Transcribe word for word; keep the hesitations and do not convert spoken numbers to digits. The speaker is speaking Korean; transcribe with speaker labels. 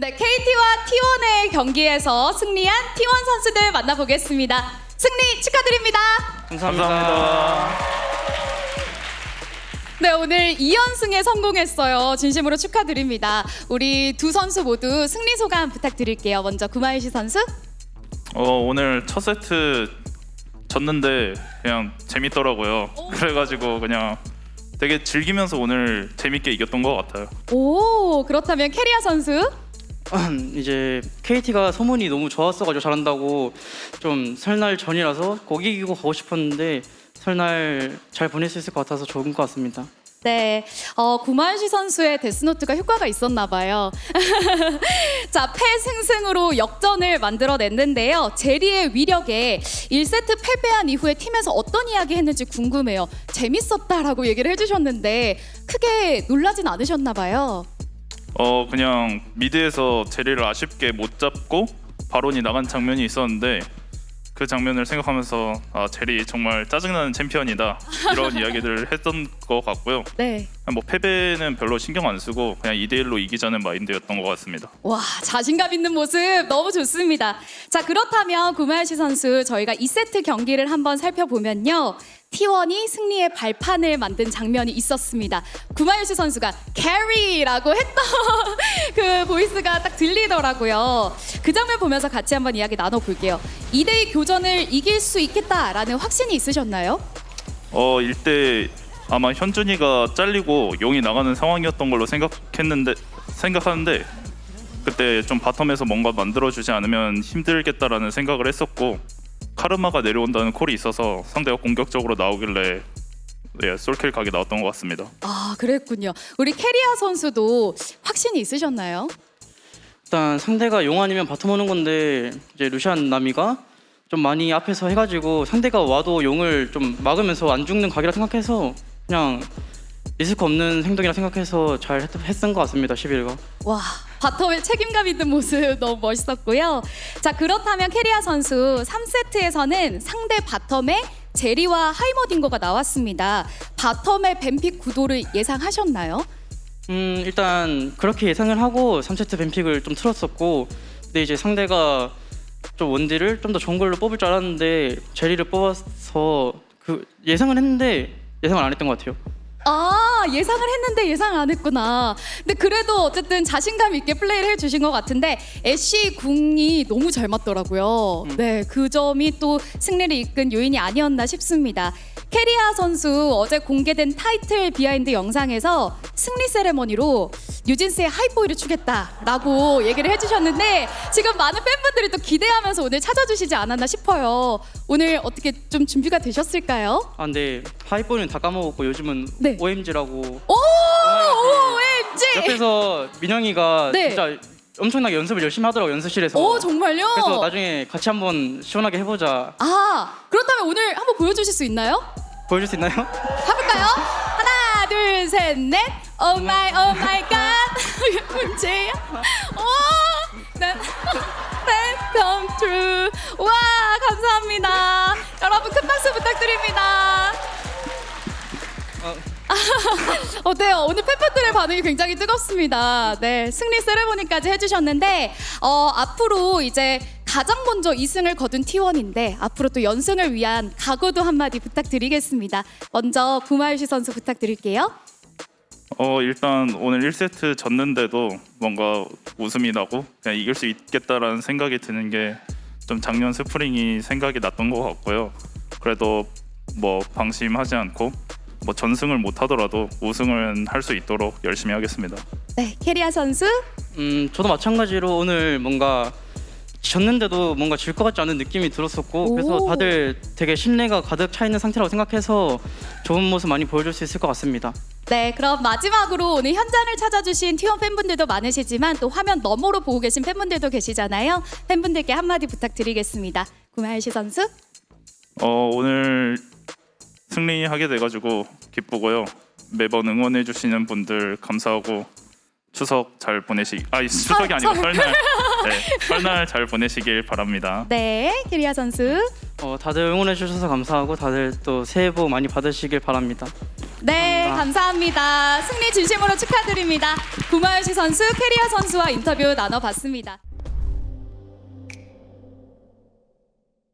Speaker 1: 네, 케이티와 티원의 경기에서 승리한 티원 선수들 만나보겠습니다. 승리 축하드립니다.
Speaker 2: 감사합니다.
Speaker 3: 감사합니다.
Speaker 1: 네, 오늘 이 연승에 성공했어요. 진심으로 축하드립니다. 우리 두 선수 모두 승리 소감 부탁드릴게요. 먼저 구마유시 선수.
Speaker 3: 어, 오늘 첫 세트 졌는데 그냥 재밌더라고요. 그래가지고 그냥 되게 즐기면서 오늘 재밌게 이겼던 것 같아요.
Speaker 1: 오, 그렇다면 캐리아 선수.
Speaker 2: 이제 케이티가 소문이 너무 좋았어가지고 잘한다고 좀 설날 전이라서 거기 이기고 가고 싶었는데 설날 잘 보낼 수 있을 것 같아서 좋은 것 같습니다.
Speaker 1: 네, 어, 구마유시 선수의 데스노트가 효과가 있었나 봐요. 자, 패승승으로 역전을 만들어냈는데요. 제리의 위력에 일 세트 패배한 이후에 팀에서 어떤 이야기 했는지 궁금해요. 재밌었다라고 얘기를 해주셨는데 크게 놀라진 않으셨나 봐요.
Speaker 3: 어, 그냥 미드에서 제리를 아쉽게 못 잡고 바론이 나간 장면이 있었는데 그 장면을 생각하면서 아, 제리 정말 짜증나는 챔피언이다 이런 이야기들을 했던 것 같고요.
Speaker 1: 네.
Speaker 3: 뭐 패배는 별로 신경 안 쓰고 그냥 이 대 일로 이기자는 마인드였던 것 같습니다.
Speaker 1: 와, 자신감 있는 모습 너무 좋습니다. 자, 그렇다면 구마유시 선수 저희가 이 세트 경기를 한번 살펴보면요. 티원이 승리의 발판을 만든 장면이 있었습니다. 구마유시 선수가 캐리라고 했던 그 보이스가 딱 들리더라고요. 그 장면 보면서 같이 한번 이야기 나눠볼게요. 이 대 이 교전을 이길 수 있겠다라는 확신이 있으셨나요?
Speaker 3: 어, 일대 아마 현준이가 잘리고 용이 나가는 상황이었던 걸로 생각했는데 생각하는데 그때 좀 바텀에서 뭔가 만들어주지 않으면 힘들겠다라는 생각을 했었고 카르마가 내려온다는 콜이 있어서 상대가 공격적으로 나오길래 네, 솔킬 각이 나왔던 것 같습니다.
Speaker 1: 아, 그랬군요. 우리 캐리아 선수도 확신이 있으셨나요?
Speaker 2: 일단 상대가 용 아니면 바텀 오는 건데 이제 루시안 나미가 좀 많이 앞에서 해가지고 상대가 와도 용을 좀 막으면서 안 죽는 각이라 생각해서 그냥 리스크 없는 행동이라 생각해서 잘 했, 했던 것 같습니다. 십일가.
Speaker 1: 와, 바텀의 책임감 있는 모습 너무 멋있었고요. 자, 그렇다면 캐리아 선수 삼 세트에서는 상대 바텀에 제리와 하이머딩거가 나왔습니다. 바텀의 뱀픽 구도를 예상하셨나요?
Speaker 2: 음 일단 그렇게 예상을 하고 삼 세트 뱀픽을 좀 틀었었고 근데 이제 상대가 좀 원딜을 좀 더 좋은 걸로 뽑을 줄 알았는데 제리를 뽑아서 그 예상을 했는데 예상을 안 했던 것 같아요.
Speaker 1: 아, 예상을 했는데 예상 안 했구나. 근데 그래도 어쨌든 자신감 있게 플레이를 해주신 것 같은데 애쉬 궁이 너무 잘 맞더라고요.
Speaker 2: 음.
Speaker 1: 네, 그 점이 또 승리를 이끈 요인이 아니었나 싶습니다. 캐리아 선수 어제 공개된 타이틀 비하인드 영상에서 승리 세레머니로 뉴진스의 하이보이를 추겠다라고 얘기를 해주셨는데 지금 많은 팬분들이 또 기대하면서 오늘 찾아주시지 않았나 싶어요. 오늘 어떻게 좀 준비가 되셨을까요?
Speaker 2: 아 근데 하이보이는 다 까먹었고 요즘은
Speaker 1: 네.
Speaker 2: 오엠지라고
Speaker 1: 오, 오엠지!
Speaker 2: 옆에서 민영이가
Speaker 1: 네.
Speaker 2: 진짜 엄청나게 연습을 열심히 하더라고 연습실에서.
Speaker 1: 오, 정말요?
Speaker 2: 그래서 나중에 같이 한번 시원하게 해보자.
Speaker 1: 아, 그렇다면 오늘 한번 보여주실 수 있나요?
Speaker 2: 보여줄 수 있나요?
Speaker 1: 해볼까요? 하나, 둘, 셋, 넷. 오 마이, 오 마이 갓. 문제야. 오, 난 come true. 와, 감사합니다. 여러분 큰 박수 부탁드립니다.
Speaker 2: 어.
Speaker 1: 어때요? 오늘 팬분들의 반응이 굉장히 뜨겁습니다. 네, 승리 세레모니까지 해주셨는데 어, 앞으로 이제 가장 먼저 이 승을 거둔 티원인데 앞으로 또 연승을 위한 각오도 한마디 부탁드리겠습니다. 먼저 구마유시 선수 부탁드릴게요.
Speaker 3: 어, 일단 오늘 일 세트 졌는데도 뭔가 웃음이 나고 그냥 이길 수 있겠다라는 생각이 드는 게 좀 작년 스프링이 생각이 났던 것 같고요. 그래도 뭐 방심하지 않고 뭐 전승을 못 하더라도 우승을 할 수 있도록 열심히 하겠습니다.
Speaker 1: 네, 캐리아 선수.
Speaker 2: 음 저도 마찬가지로 오늘 뭔가 졌는데도 뭔가 질 것 같지 않은 느낌이 들었었고
Speaker 1: 오.
Speaker 2: 그래서 다들 되게 신뢰가 가득 차 있는 상태라고 생각해서 좋은 모습 많이 보여줄 수 있을 것 같습니다.
Speaker 1: 네, 그럼 마지막으로 오늘 현장을 찾아주신 티원 팬분들도 많으시지만 또 화면 너머로 보고 계신 팬분들도 계시잖아요. 팬분들께 한마디 부탁드리겠습니다. 구마유시 선수.
Speaker 3: 어, 오늘 승리하게 돼가지고 기쁘고요. 매번 응원해 주시는 분들 감사하고 추석 잘 보내시. 아니 추석이 아니고 설날. 네, 설날 잘 보내시길 바랍니다.
Speaker 1: 네, 캐리아 선수.
Speaker 2: 어, 다들 응원해 주셔서 감사하고 다들 또 새해 복 많이 받으시길 바랍니다.
Speaker 1: 네, 감사합니다. 승리 진심으로 축하드립니다. 구마유시 선수, 캐리어 선수와 인터뷰 나눠봤습니다.